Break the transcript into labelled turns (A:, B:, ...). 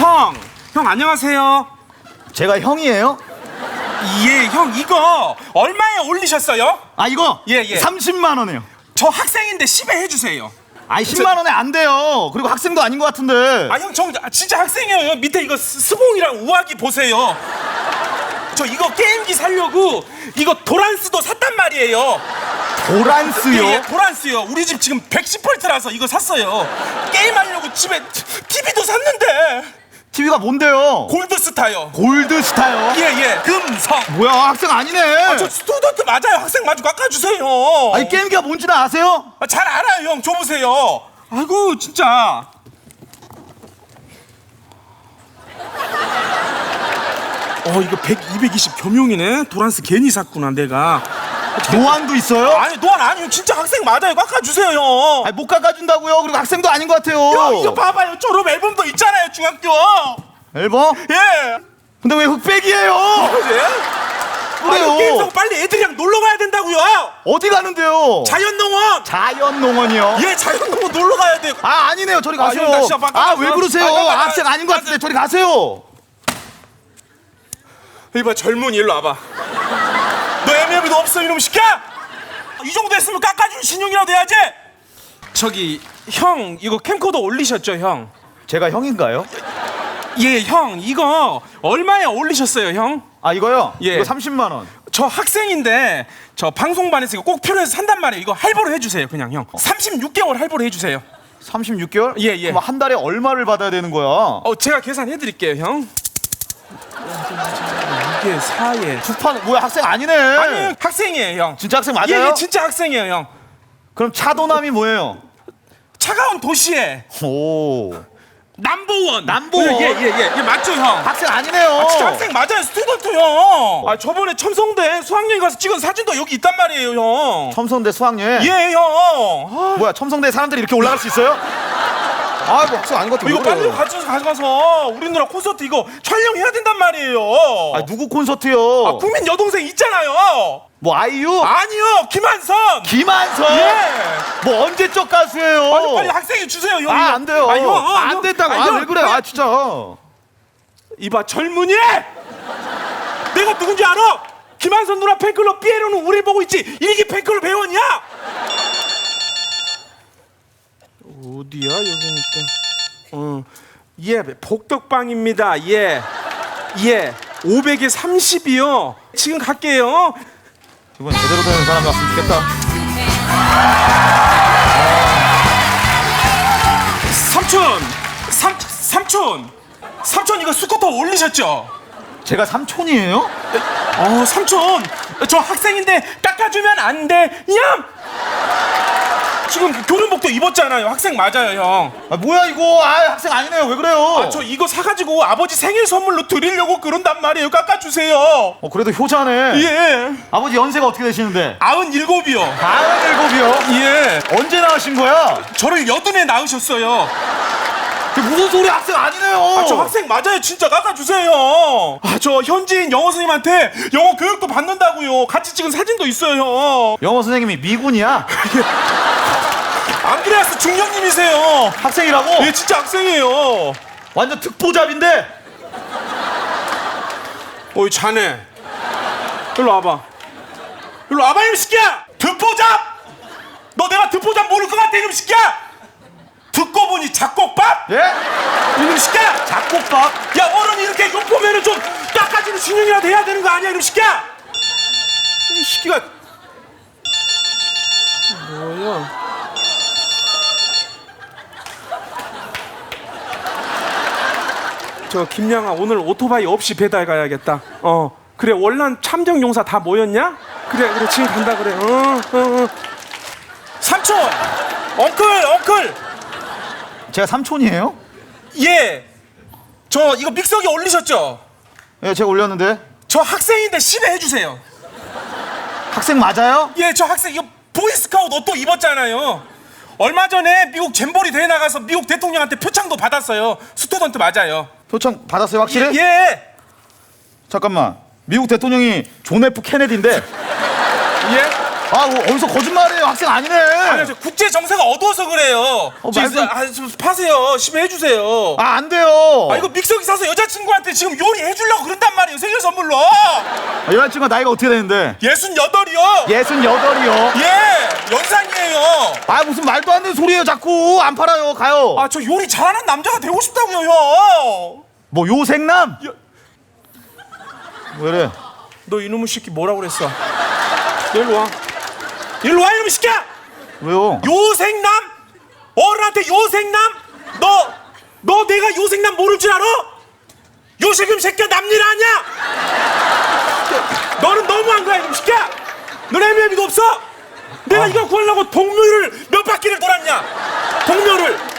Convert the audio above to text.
A: 형 안녕하세요.
B: 제가 형이에요?
A: 예, 형 이거 얼마에 올리셨어요?
B: 아 이거?
A: 예.
B: 30만 원이에요.
A: 저 학생인데 10에 해주세요.
B: 아니 10만 원에 안 돼요. 그리고 학생도 아닌 것 같은데.
A: 아, 형 저 진짜 학생이에요. 밑에 이거 스봉이랑 우아기 보세요. 저 이거 게임기 사려고 이거 도란스도 샀단 말이에요.
B: 도란스요?
A: 예, 도란스요. 우리 집 지금 110V라서 이거 샀어요. 게임하려고 집에 TV도 샀는데.
B: TV가 뭔데요?
A: 골드스타요.
B: 골드스타요?
A: 예. 금성.
B: 뭐야 학생 아니네.
A: 아, 저 스튜던트 맞아요. 학생 마저 깎아주세요.
B: 아니 게임기가 뭔지는 아세요?
A: 아, 잘 알아요, 형. 줘보세요. 아이고, 진짜. 이거 100, 220 겸용이네. 도란스 괜히 샀구나, 내가.
B: 노안도 있어요?
A: 아니, 노안 아니요. 진짜 학생 맞아요. 깎아주세요, 형.
B: 아니 못 깎아준다고요. 그리고 학생도 아닌 것 같아요.
A: 형, 이거 봐봐요. 졸업 앨범도 있잖아요, 중학교.
B: 앨범?
A: 예.
B: 근데 왜 흑백이에요?
A: 그래?
B: 그래요.
A: 게임 사고 빨리 애들이랑 놀러 가야 된다고요.
B: 어디 가는데요?
A: 자연농원.
B: 자연농원이요?
A: 예, 자연농원 놀러 가야 돼요.
B: 아 아니네요. 저리 가세요.
A: 형, 나 진짜
B: 아 왜 그러세요?
A: 잠깐만.
B: 학생 아닌 것 같은데 저리 가세요.
A: 이봐, 젊은이 일로 와봐. 너 MLB도 없어, 이놈 시끼야? 이 정도 했으면 깎아줄 신용이라도 해야지. 저기 형 이거 캠코더 올리셨죠, 형?
B: 제가 형인가요?
A: 예, 형 이거 얼마에 올리셨어요, 형?
B: 아 이거요?
A: 예.
B: 이거 30만 원.
A: 저 학생인데 저 방송반에서 이거 꼭 필요해서 산단 말이에요. 이거 할부로 해주세요, 그냥 형. 36개월 할부로 해주세요.
B: 36개월?
A: 예.
B: 그럼 한 달에 얼마를 받아야 되는 거야?
A: 제가 계산해드릴게요, 형. 이게 4에
B: 주판 뭐야 학생 아니네.
A: 아니 학생이에요, 형.
B: 진짜 학생 맞아요?
A: 예, 진짜 학생이에요, 형.
B: 그럼 차도남이 뭐예요?
A: 차가운 도시에
B: 오.
A: 남보원.
B: 남보원?
A: 예, 맞죠, 형?
B: 학생 아니네요.
A: 진짜 학생 맞아요, 스튜던트 형. 저번에 첨성대 수학여행 가서 찍은 사진도 여기 있단 말이에요, 형.
B: 첨성대 수학여행?
A: 예, 형.
B: 뭐야 첨성대 사람들이 이렇게 올라갈 수 있어요? 아 뭐 학생 아닌 것 같아.
A: 이거 빨리 가져가서 우리 누나 콘서트 이거 촬영해야 된단 말이에요.
B: 아 누구 콘서트요?
A: 국민 여동생 있잖아요.
B: 뭐 아이유?
A: 아니요, 김한선.
B: 김한선?
A: 예.
B: 뭐 언제적 가수예요?
A: 빨리 학생이 주세요, 형.
B: 아 안 돼요.
A: 형,
B: 안 된다고. 아 왜 그래? 아 진짜.
A: 이봐, 젊은이. 내가 누군지 알아? 김한선 누나 팬클럽 삐에로는 우리 보고 있지. 일기 팬클럽 회원이야. 어디야, 여기니까. 예, 복덕방입니다. 예. 500에 30이요. 지금 갈게요.
B: 이번 제대로 되는 사람 왔으면 좋겠다. 삼촌
A: 이거 스쿠터 올리셨죠?
B: 제가 삼촌이에요?
A: 삼촌, 저 학생인데 깎아주면 안 돼. 얌! 지금 교련복도 입었잖아요. 학생 맞아요, 형.
B: 아 뭐야 이거? 아 학생 아니네요. 왜 그래요?
A: 저 이거 사가지고 아버지 생일 선물로 드리려고 그런단 말이에요. 깎아주세요.
B: 그래도 효자네.
A: 예.
B: 아버지 연세가 어떻게 되시는데?
A: 97이요.
B: 47이요?
A: 예.
B: 언제 나으신 거야?
A: 저를 80에 낳으셨어요.
B: 그 무슨 소리? 학생 아니네요.
A: 저 학생 맞아요. 진짜 깎아주세요. 저 현지인 영어 선생님한테 영어 교육도 받는다고요. 같이 찍은 사진도 있어요, 형.
B: 영어 선생님이 미군이야?
A: 안드레아스 중령님이세요.
B: 학생이라고?
A: 예, 진짜 학생이에요.
B: 완전 특보잡인데?
A: 어이, 자네. 일로 와봐. 일로 와봐, 이놈 새끼야! 듣보잡! 너 내가 듣보잡 모를 것 같아, 이놈 새끼야! 듣고 보니 작곡밥?
B: 예?
A: 이놈 새끼야!
B: 작곡밥?
A: 야, 어른이 이렇게 욕 보면은 좀 깎아주는 신용이라도 해야 되는 거 아니야, 이놈 새끼야! 이 새끼가. 뭐야? 저 김양아, 오늘 오토바이 없이 배달 가야겠다. 그래, 월남 참정용사 다 모였냐? 그래, 지금 간다 그래. 삼촌, 엉클.
B: 제가 삼촌이에요?
A: 예, 저 이거 믹서기 올리셨죠?
B: 예, 제가 올렸는데.
A: 저 학생인데 10에 해주세요.
B: 학생 맞아요?
A: 예, 저 학생 이거 보이스카우트 옷도 입었잖아요. 얼마 전에 미국 잼버리 대회 나가서 미국 대통령한테 표창도 받았어요. 스튜던트 맞아요.
B: 표창 받았어요 확실히?
A: 예.
B: 잠깐만. 미국 대통령이 존 F 케네디인데.
A: 예?
B: 아, 뭐, 어디서 거짓말해요? 학생 아니네.
A: 아니 저 국제 정세가 어두워서 그래요.
B: 말씀-
A: 좀 파세요. 심해 해주세요.
B: 아, 안 돼요.
A: 아 이거 믹서기 사서 여자친구한테 지금 요리해주려고 그런단 말이에요. 생일 선물로.
B: 아, 여자친구가 나이가 어떻게 되는데?
A: 68이요.
B: 68이요.
A: 예, 연상이에요.
B: 아, 무슨 말도 안 되는 소리예요, 자꾸. 안 팔아요, 가요.
A: 아 저 요리 잘하는 남자가 되고 싶다고요, 형.
B: 뭐, 요생남? 왜 이래?
A: 너 이놈의 새끼 뭐라고 그랬어? 너 일로 와. 일로 와, 이놈의 새끼야.
B: 왜요?
A: 요생남? 어른한테 요생남? 너 내가 요생남 모를 줄 알아? 요세금 새끼야 남일 아니야? 너는 너무한 거야, 이놈의 새끼야. 넌 애매미도 없어? 내가 이거 구하려고 동묘를 몇 바퀴를 돌았냐? 동묘를.